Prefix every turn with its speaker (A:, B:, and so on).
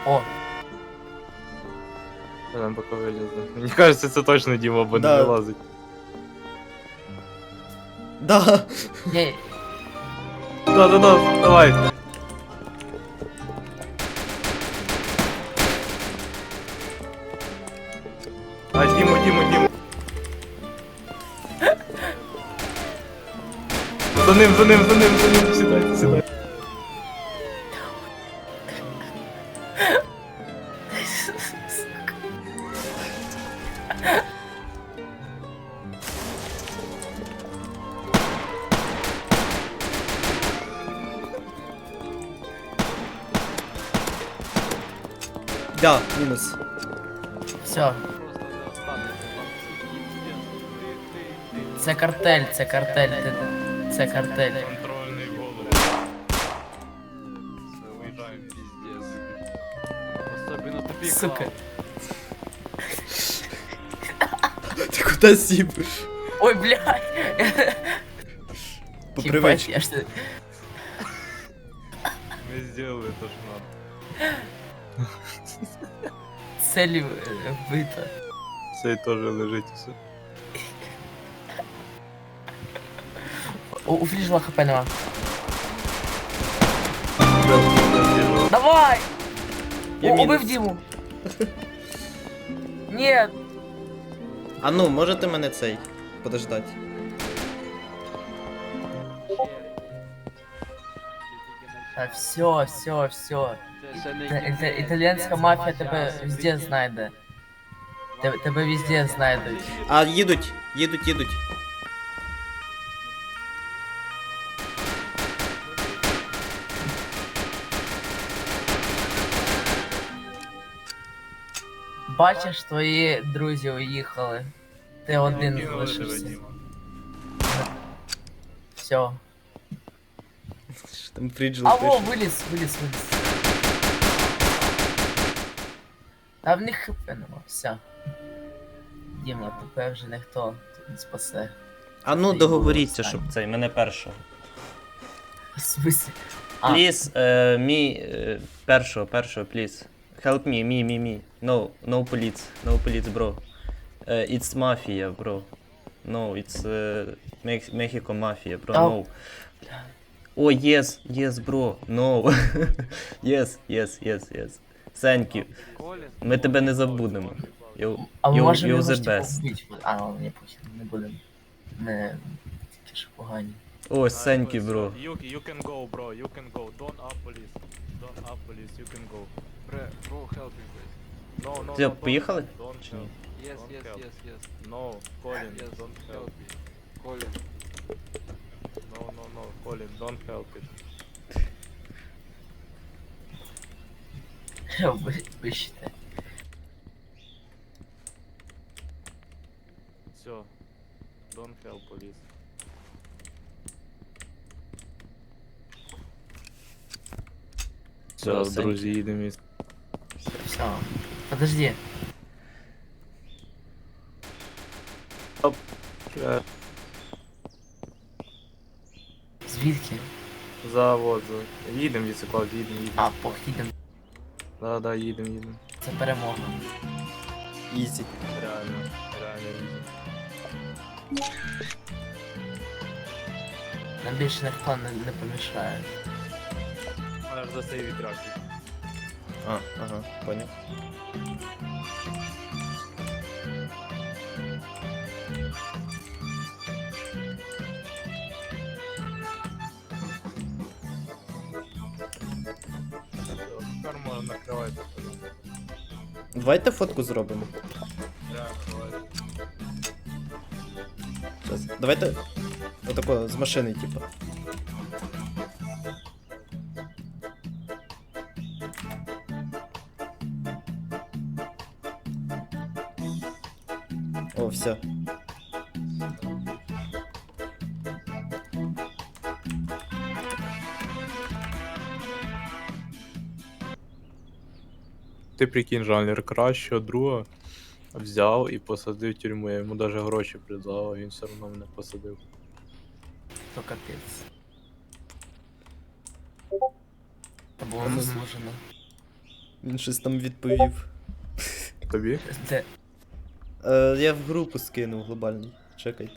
A: О,
B: Нам поки вилізли. Мені кажеться, це точно Діма, бо не
C: Да.
B: вилазить.
C: Да.
A: ні,
B: Да, давай. А, Діму. За ним, сідай.
C: Да, мінус.
A: все. Це картель, це картель, це картель.
B: Контрольний голову.
D: Уезжаем пиздец. Особенно тупик.
A: Сука.
C: Ти куди сів?
A: Ой, блядь.
C: По
A: Ебать,
C: привичці.
A: я что...
B: Ми зробили то, що надо.
A: Цель вбита.
B: Цей теж лежить все.
A: У флижла хп нема. Давай!
C: Я
A: Убив
C: мінус.
A: Диму. Нет.
C: А ну, можете мене цей подождати?
A: Так, все. Італійська мафія тебе везде знайде. Тебе везде знайдуть.
C: А, їдуть.
A: Бачиш, твої друзі уїхали. Ти один
B: Кинули тебе,
A: залишився.
B: Діма.
A: Все.
C: Там Фріджел
A: Алло,
C: пише.
A: виліз. А в них хп нема, все. Діма, тебе вже ніхто тут не спасе.
C: А ну, договоріться, щоб цей, мене першого.
A: В смысле? А,
C: Please, першого, please. Help me. No police, bro. It's mafia, bro. No, it's Mexico mafia, bro,
A: Oh.
C: no. Oh, yes, bro, no. yes. Thank you. Ми тебе не забудемо.
A: а ми можемо
C: You're
A: його
C: the
A: ж типу
C: best.
A: вбити. А, ладно, не похер, не будемо. Не, такі ж погані.
C: О, thank you, bro.
B: You can go, bro. You can go. Don't up police. You can go.
D: Bro, help me, please.
B: No.
C: Все, поїхали?
B: Don't
C: Чи ні?
B: help.
D: Yes,
B: Don't
D: yes,
B: help.
D: yes.
B: No, Colin,
D: Yes,
B: don't help.
D: help me. Colin.
B: No, Colin, don't help it.
A: Вищите.
B: Все. Don't help police.
C: Все,
B: Все, друзі, їдемо.
A: Все. Подожди. Звідки?
B: Завод. Їдемо, Віцеклав, їдемо.
A: А, їдемо.
B: Да, їдемо.
A: Це перемога.
C: Ізі.
B: Реально їдемо.
A: Нам більше ніхто не помішає.
B: Аж за цей вітрак.
C: А, ага, понял.
B: Тепер можна накривати.
C: Давайте фотку зробимо.
B: Да, давай.
C: Щас. Давайте отако з машини, типу. О, все.
B: Ти прикинь, жанр кращого друга взяв і посадив в тюрму. Я йому навіть гроші предлагав, а він все одно мене посадив.
A: То капець. Це було заслужено.
C: Він щось там відповів.
B: Тобі?
A: Де?
C: Я в групу скинув глобальний. Чекайте.